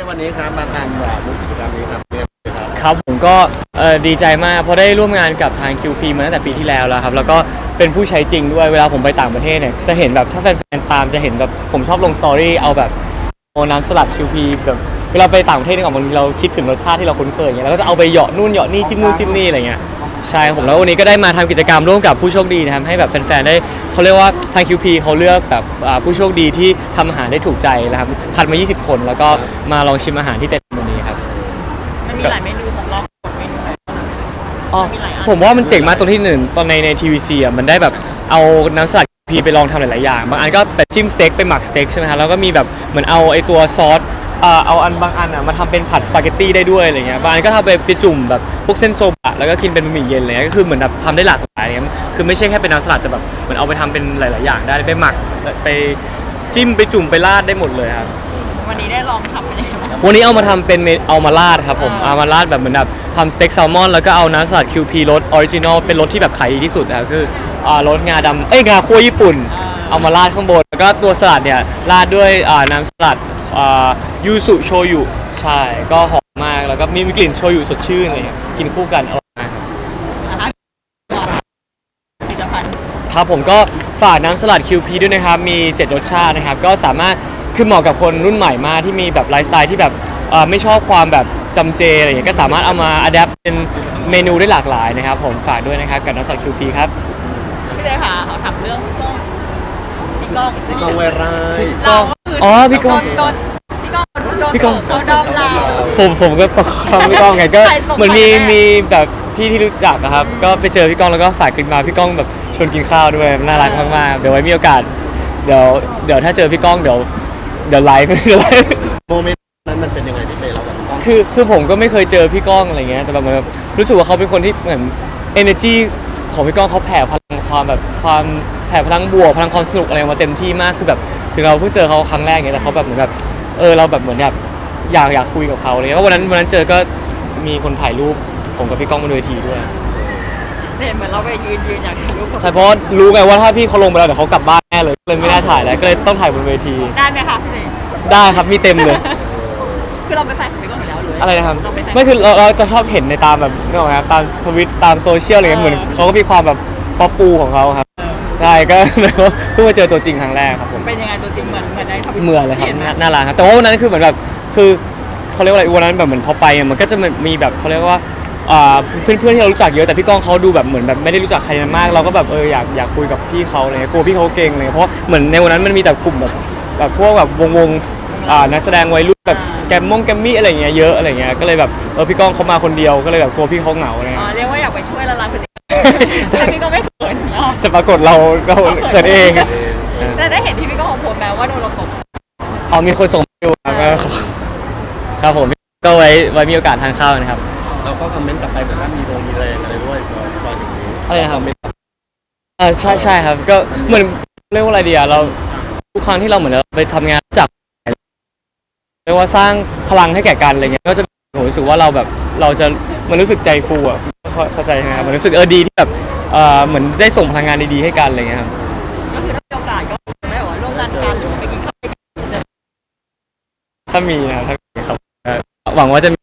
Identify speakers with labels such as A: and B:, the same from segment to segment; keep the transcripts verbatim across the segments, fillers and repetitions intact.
A: วันนี้ครับมาทานบุกกิจกรรมนี้ครับเนี่ยครับ
B: ครับผมก็ดีใจมากเพราะได้ร่วมงานกับทาง คิว พี มาตั้งแต่ปีที่แล้วแล้วครับแล้วก็เป็นผู้ใช้จริงด้วยเวลาผมไปต่างประเทศเนี่ยจะเห็นแบบถ้าแฟนๆตามจะเห็นแบบผมชอบลงสตอรี่เอาแบบโอน้ำสลัด คิว พี แบบเวลาไปต่างประเทศเนี่ยบางทีเราคิดถึงรสชาติที่เราคุ้นเคยอย่างเงี้ยแล้วก็จะเอาไปเหยาะนู่นเหยาะนี่จิ้มนู่นจิ้มนี่อะไรเงี้ยใช่ผมแล้ววันนี้ก็ได้มาทำกิจกรรมร่วมกับผู้โชคดีนะครับให้แบบแฟนๆได้เขาเรียกว่าทาง คิว พี เขาเลือกแบบผู้โชคดีที่ทำอาหารได้ถูกใจนะครับคัดมายี่สิบคนแล้วก็มาลองชิมอาหารที่เต็มวันนี้ครับ
C: มันมีหลายเมนูของเราเมนู
B: อ๋อผมว่ามันเจ๋งมากตรงที่หนึ่งตอนในใน ที วี ซี อ่ะมันได้แบบเอาน้ำสลัดพีไปลองทำหลายๆอย่างบางอันก็แบบจิ้มสเต็กไปหมักสเต็กใช่ไหมฮะแล้วก็มีแบบเหมือนเอาไอตัวซอสเอาอันบางอันอ่ะมาทำเป็นผัดสปาเกตตี้ได้ด้วยอะไรเงี้ยบางอันก็ทำไปไปจุ่มแบบพวกเส้นโซบะแล้วก็กินเป็นบะหมี่เย็นอะไรเงี้ยก็คือเหมือนแบบทำได้หลากหลายเงี้ยคือไม่ใช่แค่เป็นน้ำสลัดแต่แบบเหมือนเอาไปทำเป็นหลายๆอย่างได้ไปหมักไปจิ้มไปจุ่มไปราดได้หมดเลยครับ
C: วันนี้ได้ลองทำเป็นยังไงบ้าง
B: วันนี้เอามาทำเป็นเอามาราดครับผมเอามาราดแบบเหมือนแบบทำสเต็กแซลมอนแล้วก็เอาน้ำสลัด คิว พี รสออริจินอลเป็นรสที่แบบขายดีที่สุดนะครับคือรสงาดำเอ้ยงาคั่วญี่ปุ่นเอามาราดข้างบนแล้วก็ตัวสลัดเนี่ยราดด้วยน้ำสลัดยูสุโชยุใช่ก็หอมมากแล้วก็มีกลิ่นโชยุสดชื่นอะไรเงี้ยกินคู่กันอร่อยมากครับ
C: ผลิตภัณฑ์
B: ครับผมก็ฝากน้ำสลัด คิว พี ด้วยนะครับมีเจ็ดรสชาตินะครับก็สามารถคือเหมาะกับคนรุ่นใหม่มากที่มีแบบไลฟ์สไตล์ที่แบบไม่ชอบความแบบจำเจอะไรอย่างเงี้ยก็สามารถเอามาอัดแอปเป็นเมนูได้หลากหลายนะครับผมฝากด้วยนะครับกับน้ำสลัด คิว พี ครับ
C: พี่เลยค่ะเขาถามเรื่องพี่ก้องพี่ก้อง
A: พี่ก้องเวราย
C: เรา
B: อ๋อพี่ก้อง
C: โดนพี่ก้องพี่ก้องเขาดอมเรา
B: ผมผมก็ตกคำพี่ก้องไงก็เหมือนมีมีแบบพี่ที่รู้จักนะครับก็ไปเจอพี่ก้องแล้วก็ฝากคลิปมาพี่ก้องแบบชวนกินข้าวด้วยน่ารักมากๆเดี๋ยวไว้มีโอกาสเดี๋ยวเดี๋ยวถ้าเจอพี่ก้องเดี๋ยวเดี๋ยวไลฟ์เดี๋ยวไลฟ์
A: โมเมนต์นั้นมันเป็นยังไงพี่เตเราแบบพี่ก้อง
B: คือคือผมก็ไม่เคยเจอพี่ก้องอะไรเงี้ยแต่แบบแบบรู้สึกว่าเขาเป็นคนที่เหมือน energy ของพี่ก้องเขาแผ่พลังความแบบความแผ่พลังบวกพลังความสนุกอะไรมาเต็มที่มากคือแบบถึงเราเพิ่งเจอเขาครั้งแรกเงี้ยแต่เขาแบบเหมือนแบบเออเราแบบเหมือนแบบอยากอยากคุยกับเขาเลยก็วันนั้นวันนั้นเจอก็มีคนถ่ายรูปผมกับพี่ก้องบนเวทีด้วย
C: เห็นเหมือนเราไปยืนยืนอยากถ่ายรูป
B: ใช่เพราะรู้ไงว่าถ้าพี่เขาลงไปแล้วเดี๋ยวเขากลับบ้านแน่เลยเลยไม่ได้ถ่ายแล้วก็เลยต้องถ่ายบนเวที
C: ได้ไหมคะพี่เลย
B: ได้ครับมีเต็มเลย
C: คือเราไปแฟนของพี่ก้องอยู่แล้วหรือ
B: อะไรนะครับไม่คือเราเราจะชอบเห็นในตามแบบนี่หรอครับตามทวิตตามโซเชียลอะไรเงี้ยเหมือนเขาก็มีความแบบป๊อปปูของเขาครับใช่ก็เพิ่งมาเจอตัวจริงครั้งแรกครับผม
C: เป็นยังไงตัวจริงเหมือนเหมือนในทวิต
B: เหมือนเลยครับน่ารักครับแต่ว่าวันนั้นคือเหมือนแบบคือเขาเรียกว่าอะไรวันนั้นแบบเหมือนพอไปมันก็จะมีแบบเขาเรียกว่าเพื่อนเพื่อนที่เรารู้จักเยอะแต่พี่ก้องเขาดูแบบเหมือนแบบไม่ได้รู้จักใครมากเราก็แบบเอออยากอยากคุยกับพี่เขาอะไรเงี้ยกลัวพี่เขาเก่งเลยเพราะเหมือนในวันนั้นมันมีแต่กลุ่มแบบแบบพวกแบบวงวงนักแสดงวัยรุ่นแบบแกมมงแกมมี่อะไรเงี้ยเยอะอะไรเงี้ยก็เลยแบบเออพี่ก้องเขามาคนเดียวก็เลยแบบกลัวพี่เขาเหงาอะไรเงี้
C: ยเรียกว่าอยากไปช่วยละลายพฤติกรรมแต่พี่ก็ไม่เขิน
B: แต่ปรากฏเราเราเขินเอง
C: แต่ได้เห็นที่พี่ก้องโพสต์แม้ว่าโดนเราตก
B: อ๋อมีคนส่งมาดูครับผมก็ไว้ไว้มีโอกาสทานข้าวนะครับ
A: เราก็คอมเมนต์กลับไปเหมือนว่ามีโรงมีแรงอะไรด้วยตอนอย่างนี้
B: อะไรนะครับอ่าใช่ใช่ครับก็เหมือนเรียกว่าอะไรดีอะเราทุกครั้งที่เราเหมือนเราไปทำงานจากเรียกว่าสร้างพลังให้แก่กันอะไรเงี้ยก็จะผมรู้สึกว่าเราแบบเราจะมันรู้สึกใจฟูอ่ะเข้าใจไหมครับมันรู้สึกเออดีที่แบบเออเหมือนได้ส่งพลังงานดีๆให้กันอะไรเงี้ยครับ
C: ก็คือถ้ามีโอกาสก็ไม่ว่าร่วมงานกันหรือไปกินข้าวกัน
B: ถ้ามีนะครับถ้ามีครับหวังว่าจะมี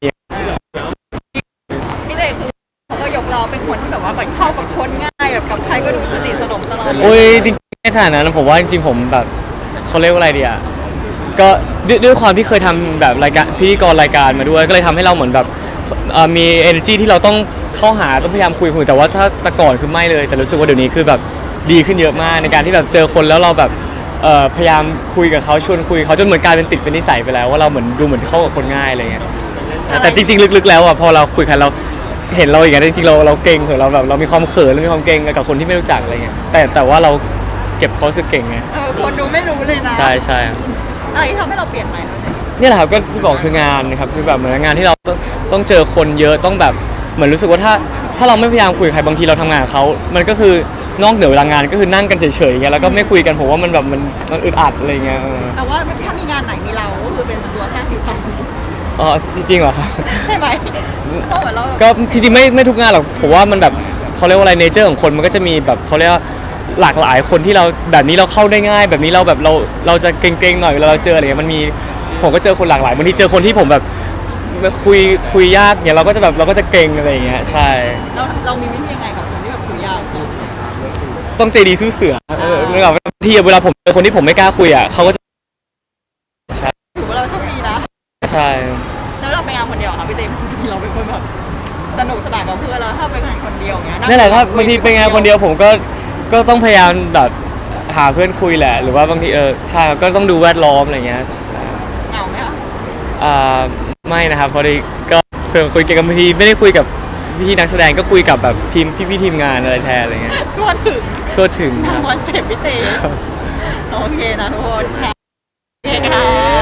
C: พี่เลยคือเขาก็ยกเราเป็นคนที่แบบว่าเข้ากับคนง่ายแบบกับใครก็ดูสนิทสนมตลอด
B: โอ้ยจริงๆในขนาดนั้นผมว่าจริงๆผมแบบเขาเรียกว่าอะไรดีอ่ะก็ด้วยความที่เคยทำแบบรายการพิธีกรรายการมาด้วยก็เลยทำให้เราเหมือนแบบมี energy ที่เราต้องเข้าหาต้องพยายามคุยคุยแต่ว่าถ้าแต่ก่อนคือไม่เลยแต่รู้สึกว่าเดี๋ยวนี้คือแบบดีขึ้นเยอะมากในการที่แบบเจอคนแล้วเราแบบพยายามคุยกับเขาชวนคุยเขาจนเหมือนกลายเป็นติดเป็นนิสัยไปแล้วว่าเราเหมือนดูเหมือนเข้ากับคนง่ายอะไรเงี้ยแต่จริงๆลึกๆแล้วอ่ะพอเราคุยกันเราเห็นเราอย่างเงี้ยจริงๆเราเราเก่งเหรอเราแบบเรามีความเขินเรามีความเก่งกับคนที่ไม่รู้จักอะไรเงี้ยแต่แต่ว่าเราเก็บเขาสึกเก่งไง
C: คนดูไม่รู้เลยนะ
B: ใช่ใช่
C: อะไรที่ทำให้เราเปลี่ยนใหม่
B: นี่แหละครับก็ที่บอกคืองานนะครับคือแบบเหมือนงานที่เราต้องต้องเจอคนเยอะต้องแบบเหมือนรู้สึกว่าถ้าถ้าเราไม่พยายามคุยกับใครบางทีเราทำงานกับเขามันก็คือนอกเหนือเวลางานก็คือนั่งกันเฉยๆอย่างเงี้ยแล้วก็ไม่คุยกันผมว่ามันแบบมันมันอึดอัดอะไรเงี้ย
C: แต่ว่าถ้ามีงานไหนมีเราก็คือเป็นตัวสร้างซีซั่น
B: อ๋อจริงเหรอครับ
C: ใช่ไหม
B: ก็จริงๆไม่ไม่ทุกงานหรอกผมว่ามันแบบเขาเรียกว่าอะไรเนเจอร์ของคนมันก็จะมีแบบเขาเรียกว่าหลากหลายคนที่เราแบบนี้เราเข้าได้ง่ายแบบนี้เราแบบเราเราจะเกรงๆหน่อยเวลาเราเจออะไรเงี้ยมันมีผมก็เจอคนหลากหลายบางทีเจอคนที่ผมแบบคุยคุยยากเนี่ยเราก็จะแบบเราก็จะเกรงอะไรอย่างเงี้ยใช่
C: เราเรามีวิธียังไงกับคนที่แบบคุยยากเนี่ย
B: ต้องใจดีสู้เสือเออนึกออกไหมบางทีเวลาผมเจอคนที่ผมไม่กล้าคุยอ่ะเขาก็จะใช่
C: ถือว่าเราโชคดีนะ
B: ใช่
C: แล้วเราไปงานคนเดียวค่ะพี่เจมส์เราเป็นคนแบบสนุกสนานกับเพื่อนแล้วถ้าไปงานคนเดียวเงี้ย
B: นั่นแหละครับบางทีไปงานคนเดียวผมก็ก็ต้องพยายามแบบหาเพื่อนคุยแหละ หรือว่าบางทีเออใช่ก็ต้องดูแวดล้อมอะไรเงี้ย
C: เหงาไหมคะ
B: อ่าไม่นะครับพอดีก็เพื่อนคุยกันบางทีไม่ได้คุยกับพี่นักแสดงก็คุยกับแบบทีมพี่พี่ๆทีมงานอะไรแทนอะไรเงี้ย
C: ทั่วถึง
B: ทั่วถึงค
C: ทาง
B: รับ
C: คอนเซ็ปต์พี่เตโอเคนะทุกคนค่ะโอเคค่ะ